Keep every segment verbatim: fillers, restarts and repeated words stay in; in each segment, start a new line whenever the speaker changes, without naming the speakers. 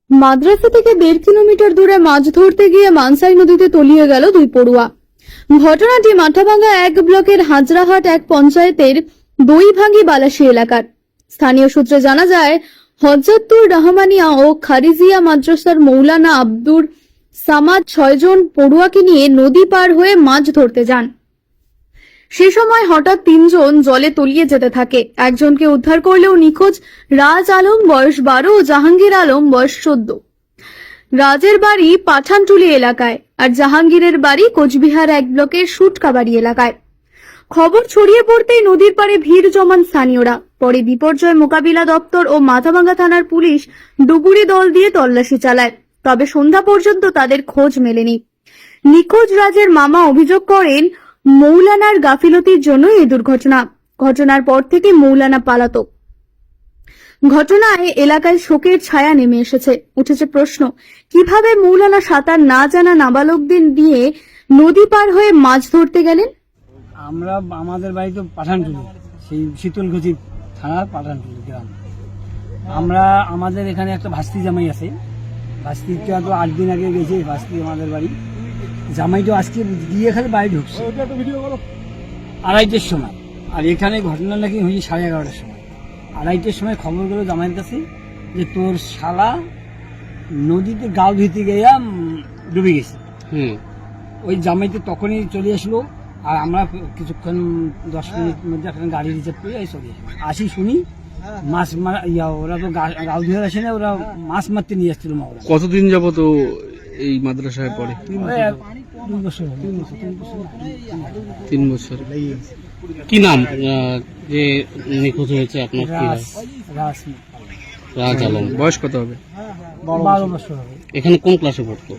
মাদ্রাসা থেকে দেড় কিলোমিটার দূরে মাছ ধরতে গিয়ে মানসাই নদীতে তলিয়ে গেল দুই পড়ুয়া। ঘটনাটি মাথাভাঙ্গা এক ব্লকের হাজরাহাট এক পঞ্চায়েতের দইভাঙ্গি বালাসী এলাকার। স্থানীয় সূত্রে জানা যায়, হযরতুর রহমানিয়া ও খারিজিয়া মাদ্রাসার মৌলানা আব্দুর সামাদ ছয়জন পড়ুয়াকে নিয়ে নদী পার হয়ে মাছ ধরতে যান। সে সময় হঠাৎ তিনজন জলে তলিয়ে যেতে থাকে। একজনকে উদ্ধার করলেও নিখোঁজ রাজ আলম বয়স বারো ও জাহাঙ্গীর আলম বয়স চোদ্দ। রাজের বাড়ি পাঠানটুলি এলাকায় আর জাহাঙ্গীরের বাড়ি কোচবিহার এক ব্লকের সুটকাবাড়ি এলাকায়। খবর ছড়িয়ে পড়তেই নদীর পাড়ে ভিড় জমান স্থানীয়রা। পরে বিপর্যয় মোকাবিলা দপ্তর ও মাথাভাঙ্গা থানার পুলিশ ডুবুরি দল দিয়ে তল্লাশি চালায়, তবে সন্ধ্যা পর্যন্ত তাদের খোঁজ মেলেনি। নিখোঁজ রাজের মামা অভিযোগ করেন, মৌলানার গাফিলতির জন্য এই দুর্ঘটনা। ঘটনার পর থেকে মৌলানা পালাতক। ঘটনায় এলাকায় শোকের ছায়া নেমে এসেছে। উঠেছে প্রশ্ন, কিভাবে মৌলানা সাঁতার না জানা নাবালকদের দিয়ে নদী পার হয়ে মাছ ধরতে গেলেন?
আমরা আমাদের বাড়ি তো পাঠানটুলি, সেই শীতলকুচি থানার পাঠানটুলি গ্রাম। আমরা আমাদের এখানে একটা ভাস্তি জামাই আছে। ভাস্তিটা তো আট দিন আগে গেছে। ভাস্তি আমাদের বাড়ি জামাইটা আজকে গিয়ে খালি বাড়ি ঢুকছে আড়াইটের সময়। আর এখানে ঘটনা নাকি হয়েছে সাড়ে এগারোটার সময়। আড়াইটের সময় খবর গেল জামাইয়ের কাছে যে তোর শালা নদীতে গাল ধুইতে গিয়া ডুবে গেছে। হুম ওই জামাইতে তখনই চলে আসলো। আর আমরা কিছুক্ষণ দশ মিনিট মধ্যে একটা গাড়ি রিজার্ভ করে চলে আসি। শুনি মাছ মারা ইয়া ওরা তো গাল ধুয়ে আসে না, ওরা মাছ মারতে নিয়ে আসছিল।
কতদিন যাবো তো এই মাদ্রাসায় পড়ে? তিন বছর। কি নাম যে নিখোঁজ হয়েছে আপনার? রাজ আলম। বয়স কত হবে?
বারো বছর হবে।
এখানে কোন ক্লাসে পড়তো?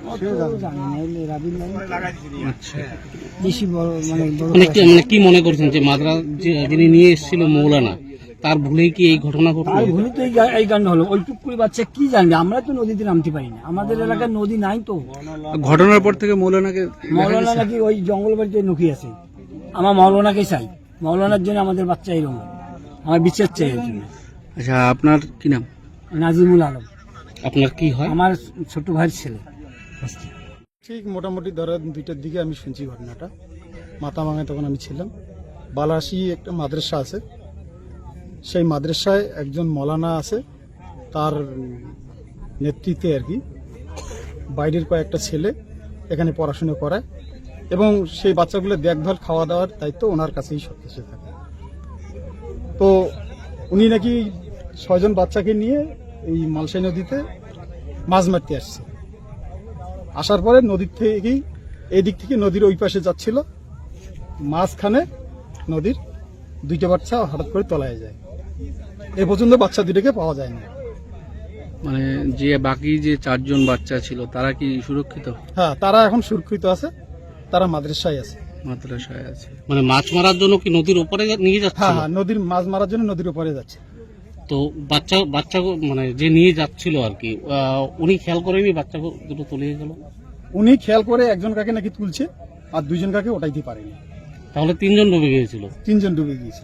আচ্ছা,
বেশি বড় মানে
মানে কি মনে করছেন যে মাদ্রাস যিনি নিয়ে এসেছিল মৌলানা, তার ভুলেই কি এই ঘটনা ঘটলো?
আর ভুলে তো এই কাণ্ড হলো। ওই টুকুরি বাচ্চা কি জানবে? আমরা তো নদীতে নামতে পারি না, আমাদের এলাকায় নদী নাই তো।
ঘটনার পর থেকে মৌলানাকে
মৌলানা নাকি ওই জঙ্গল বাড়িতে লুকিয়ে আছে। আমার মৌলানাকে চাই, মৌলানার জন্য আমাদের বাচ্চা এরকম, আমার বিচার চাই এর জন্য।
আচ্ছা, আপনার কি নাম?
নাজিমুল আলম।
আপনার কি হয়?
আমার ছোট ভাইয়ের ছেলে।
ঠিক মোটামুটি ধরো দুইটার দিকে আমি শুনছি ঘটনাটা। মাথাভাঙ্গায় তখন আমি ছিলাম। বালাসী একটা মাদ্রাসা আছে, সেই মাদ্রাসায় একজন মৌলানা আছে, তার নেতৃত্বে আর কি বাইরের কয়েকটা ছেলে এখানে পড়াশুনো করায় এবং সেই বাচ্চাগুলো দেখভাল খাওয়া দাওয়ার দায়িত্ব ওনার কাছেই সব কিছু থাকে। তো উনি নাকি ছয়জন বাচ্চাকে নিয়ে এই মালসাই নদীতে মাছ মারতে আসছে। আসার পরে নদীর থেকেই এই দিক থেকে নদীর ওই পাশে যাচ্ছিল, মাঝখানে নদীর দুইটা বাচ্চা হঠাৎ করে তলায় যায়। এ পর্যন্ত বাচ্চা দুইটাকে পাওয়া যায় না।
মানে যে বাকি যে চারজন বাচ্চা ছিল তারা কি সুরক্ষিত?
হ্যাঁ, তারা এখন সুরক্ষিত আছে, তারা মাদ্রাসায় আছে।
মাদ্রাসায় আছে মানে মাছ মারার জন্য কি নদীর উপরে নিয়ে যাচ্ছে?
হ্যাঁ হ্যাঁ, নদীর মাছ মারার জন্য নদীর উপরে যাচ্ছে।
তো বাচ্চা বাচ্চা মানে যে নিয়ে যাচ্ছিল আর কি, উনি খেয়াল করেনি বাচ্চা দুটো তলিয়ে গেল?
উনি খেয়াল করে একজন কাকে নাকি তুলছে আর দুইজন কাকে ওটাইতে পারেনি।
তাহলে তিনজন ডুবে গিয়েছিল?
তিনজন ডুবে গিয়েছিল।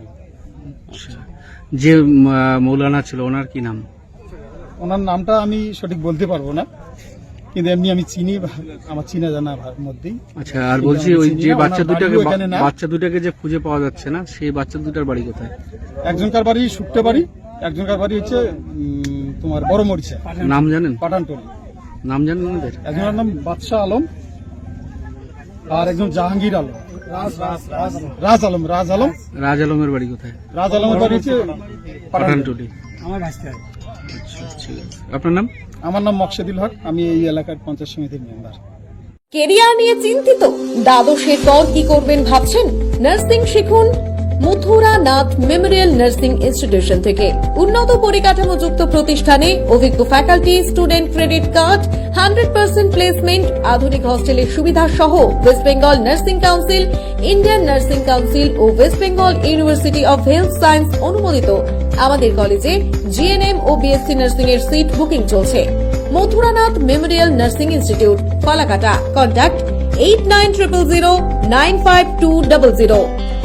যে মৌলানা ছিল ওনার কি নাম?
ওনার নামটা আমি সঠিক বলতে পারবো না, কিন্তু এমনি আমি চিনি, আমার চিনা জানা মধ্যেই।
আচ্ছা, আর বলছি ওই যে বাচ্চা দুটাকে বাচ্চা দুটাকে যে খুঁজে পাওয়া যাচ্ছে না, সেই বাচ্চা দুটার বাড়ি কোথায়?
একজনকার বাড়ি শুকতে বাড়ি, একজনকার বাড়ি হচ্ছে তোমার বড় মরিচা।
নাম জানেন?
পাঠানটুলি।
নাম জানেন ওদের?
একজনের নাম বাদশাহ আলম আর একজন জাহাঙ্গীর আলম। রাজ আলম। রাজ আলম।
রাজ আলমের বাড়ি কোথায়?
রাজ আলমের বাড়ি হচ্ছে
পাঠানটুলি।
আমার ভাস্তি।
আচ্ছা, ঠিক আছে। আপনার নাম?
আমার নাম মকসেদুল হক, আমি এই এলাকার পঞ্চায়েত সমিতির মেম্বার।
কেরিয়ার নিয়ে চিন্তিত? দ্বাদশের পর কি করবেন ভাবছেন? নার্সিং শিখুন Mathura Nath memorial nursing institution থেকে। উন্নত পরিকাঠামো যুক্ত প্রতিষ্ঠানে অভিজ্ঞ faculty, student credit card, hundred percent placement, আধুনিক হস্টেলের সুবিধা সহ West Bengal nursing council, Indian nursing council ও West Bengal university of health science অনুমোদিত আমাদের কলেজে জিএনএম ও বিএসসি নার্সিং এর সিট বুকিং চলছে। Mathuranath memorial nursing institute, Falakata. Contact eight nine zero zero nine five two zero zero.